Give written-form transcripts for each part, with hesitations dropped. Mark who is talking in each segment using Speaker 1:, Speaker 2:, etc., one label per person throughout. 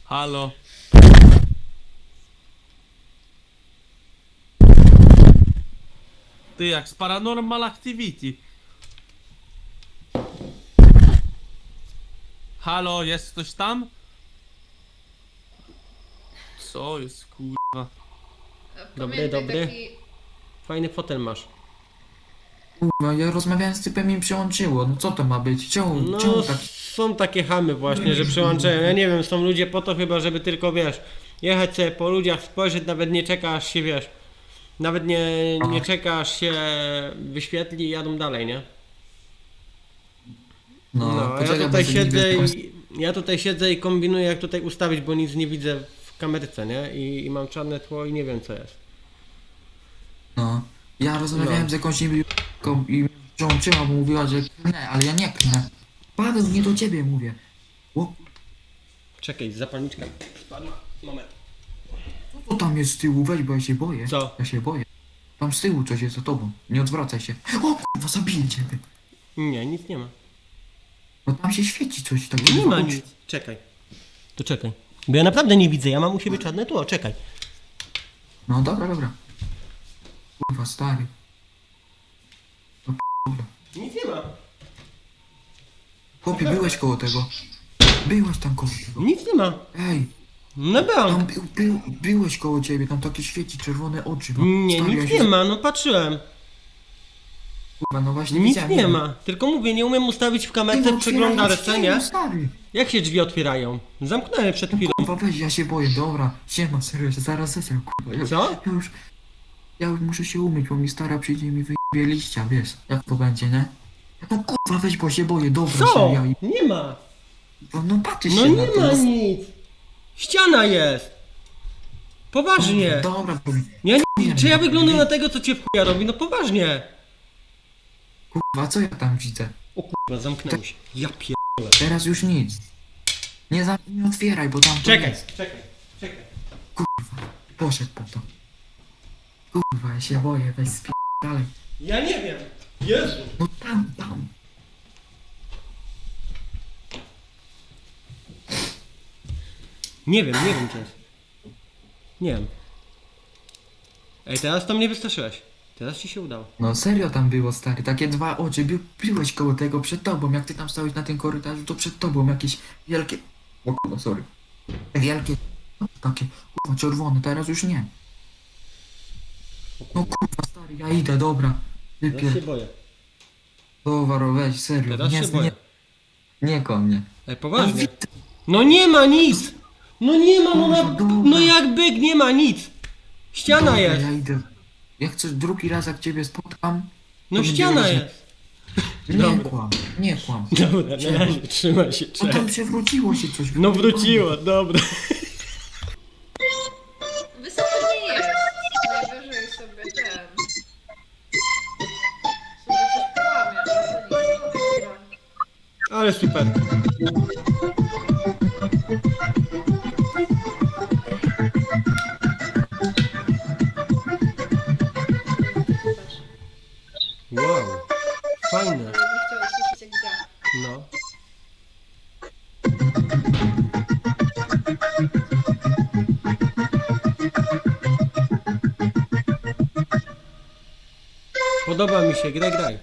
Speaker 1: Halo. Ty, jak z Paranormal Activity. Halo, jest ktoś tam? Co jest, kurwa?
Speaker 2: Dobry, dobry. Fajny fotel masz.
Speaker 3: Kurwa, ja rozmawiałem z typem i mi przełączyło. No co to ma być? Czemu
Speaker 2: No,
Speaker 3: tak?
Speaker 2: są takie chamy właśnie, że przełączają. Ja nie wiem, są ludzie po to chyba, żeby tylko, wiesz, jechać sobie po ludziach, spojrzeć, nawet nie czeka aż się, wiesz, nawet nie czeka aż się wyświetli i jadą dalej, nie? No, a
Speaker 3: poczekaj,
Speaker 2: ja
Speaker 3: bo
Speaker 2: tutaj
Speaker 3: sobie
Speaker 2: siedzę
Speaker 3: nie
Speaker 2: ja tutaj siedzę i kombinuję, jak tutaj ustawić, bo nic nie widzę w kamerce, nie? I mam czarne tło i nie wiem, co jest.
Speaker 3: No. Ja rozmawiałem
Speaker 2: No.
Speaker 3: z jakąś niebiesko i mi przełączyła, bo mówiła, że klnę, ale ja nie klnę. Paweł, nie do ciebie mówię. O,
Speaker 2: Czekaj, zapalniczka spadła. Moment.
Speaker 3: co tam jest z tyłu? Weź, bo ja się boję.
Speaker 2: Co?
Speaker 3: Ja się boję. Tam z tyłu coś jest za tobą. Nie odwracaj się. O kurwa, zabiję ciebie.
Speaker 2: Nie, nic nie ma.
Speaker 3: No tam się świeci coś
Speaker 2: Nie
Speaker 3: takiego.
Speaker 2: ma nic. Czekaj. To czekaj. Bo ja naprawdę nie widzę, ja mam u siebie czarne tło, czekaj.
Speaker 3: No dobra, dobra. Kurwa, stary.
Speaker 2: Nic nie ma.
Speaker 3: Chłopie, byłeś koło tego. Byłeś tam koło tego.
Speaker 2: Nic nie ma.
Speaker 3: Ej,
Speaker 2: No
Speaker 3: tam
Speaker 2: byłam.
Speaker 3: byłeś koło ciebie, tam takie świeci, czerwone oczy. No.
Speaker 2: Nie,
Speaker 3: Stary, ja
Speaker 2: nic
Speaker 3: się
Speaker 2: nie ma, no patrzyłem.
Speaker 3: Kurwa, no właśnie
Speaker 2: Nic
Speaker 3: widziałem,
Speaker 2: nie ma. Tylko mówię, nie umiem ustawić w kamerce w przeglądarce, nie?
Speaker 3: Stary.
Speaker 2: Jak się drzwi otwierają? Zamknąłem przed chwilą.
Speaker 3: Kurwa, weź, ja się boję, dobra. Siema, serio, ja się zaraz zesrę, kurwa.
Speaker 2: Co?
Speaker 3: Ja już muszę się umyć, bo mi stara przyjdzie i mi wyjebie liścia, wiesz, jak to będzie, nie? No kurwa, weź, bo się boję, dobra,
Speaker 2: Co?
Speaker 3: serio.
Speaker 2: Nie ma.
Speaker 3: No patrzysz
Speaker 2: No
Speaker 3: się
Speaker 2: nie
Speaker 3: na to.
Speaker 2: ma nic. Ściana jest. Poważnie.
Speaker 3: Dobra, to...
Speaker 2: Ja nie, czy ja wyglądam na tego, co cię w chuja robi? No poważnie.
Speaker 3: Kurwa, co ja tam widzę?
Speaker 2: O kurwa, zamknęło się. Ja pier...
Speaker 3: Teraz już nic. Nie otwieraj, bo tam to
Speaker 2: Czekaj,
Speaker 3: jest.
Speaker 2: czekaj.
Speaker 3: Poszedł po to. Kurwa, ja się boję, weź dalej.
Speaker 2: Ja nie wiem. Jezu.
Speaker 3: No tam.
Speaker 2: Nie wiem co jest. Nie wiem. Ej, teraz to mnie wystraszyłeś. Teraz ci się udało.
Speaker 3: No serio tam było, stary, takie dwa oczy, byłeś koło tego przed tobą, jak ty tam stałeś na tym korytarzu, to przed tobą jakieś wielkie... O kurwa, sorry. Wielkie, takie, kurwa, czerwone, teraz już nie. No kurwa, stary, ja idę, dobra.
Speaker 2: Teraz się
Speaker 3: Wypier...
Speaker 2: boję.
Speaker 3: Towaro, weź, serio,
Speaker 2: Teraz się boję.
Speaker 3: nie koło mnie.
Speaker 2: Ej, poważnie. No nie ma nic! No nie ma, no jak byk, nie ma nic! Ściana
Speaker 3: Dobra,
Speaker 2: jest!
Speaker 3: ja idę. Jak chcesz drugi raz, jak ciebie spotkam...
Speaker 2: No
Speaker 3: to
Speaker 2: ściana
Speaker 3: będzie
Speaker 2: jest!
Speaker 3: Nie kłam.
Speaker 2: Dobra, na razie, trzymaj się,
Speaker 3: No
Speaker 2: cześć.
Speaker 3: tam przewróciło się coś.
Speaker 2: No wróciło, dobra.
Speaker 4: Wysoko nie jest. Najwyżej sobie ten. Sobie coś połamie, ale to nic.
Speaker 2: Ale super. Wow, fajne.
Speaker 4: Ja bym chciała słyszeć jak gra.
Speaker 2: No. Podoba mi się, graj.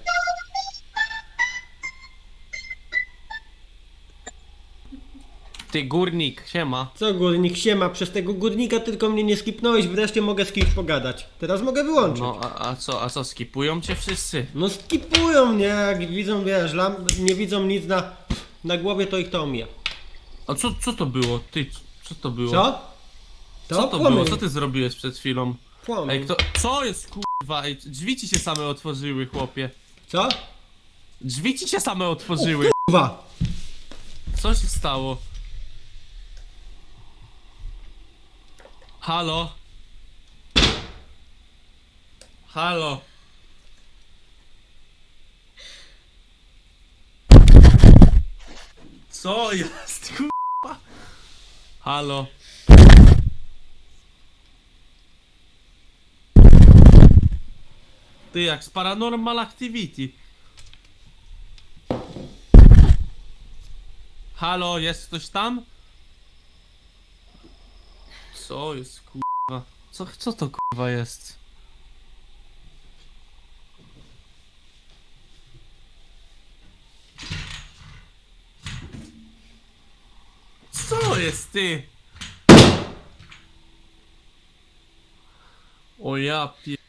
Speaker 1: Ty, górnik, siema.
Speaker 2: Co górnik, siema, przez tego górnika tylko mnie nie skipnąłeś, wreszcie mogę z kimś pogadać. Teraz mogę wyłączyć.
Speaker 1: No, a co, skipują cię wszyscy?
Speaker 2: No skipują mnie, jak widzą, wiesz, nie widzą nic na głowie, to ich to omija.
Speaker 1: A co to było? Ty, co to było?
Speaker 2: Co?
Speaker 1: Co to
Speaker 2: płomień.
Speaker 1: było? Co ty zrobiłeś przed chwilą?
Speaker 2: Płomień.
Speaker 1: Ej, co jest, kurwa? Ej, drzwi ci się same otworzyły, chłopie.
Speaker 2: Co?
Speaker 1: Drzwi ci się same otworzyły.
Speaker 2: Kurwa!
Speaker 1: Co się stało? Halo? Halo? Co jest, kurwa? Halo? Ty, jak z Paranormal Activity. Halo, jest ktoś tam? Co jest kurwa? Co to kurwa jest? Co jest ty? O ja pie...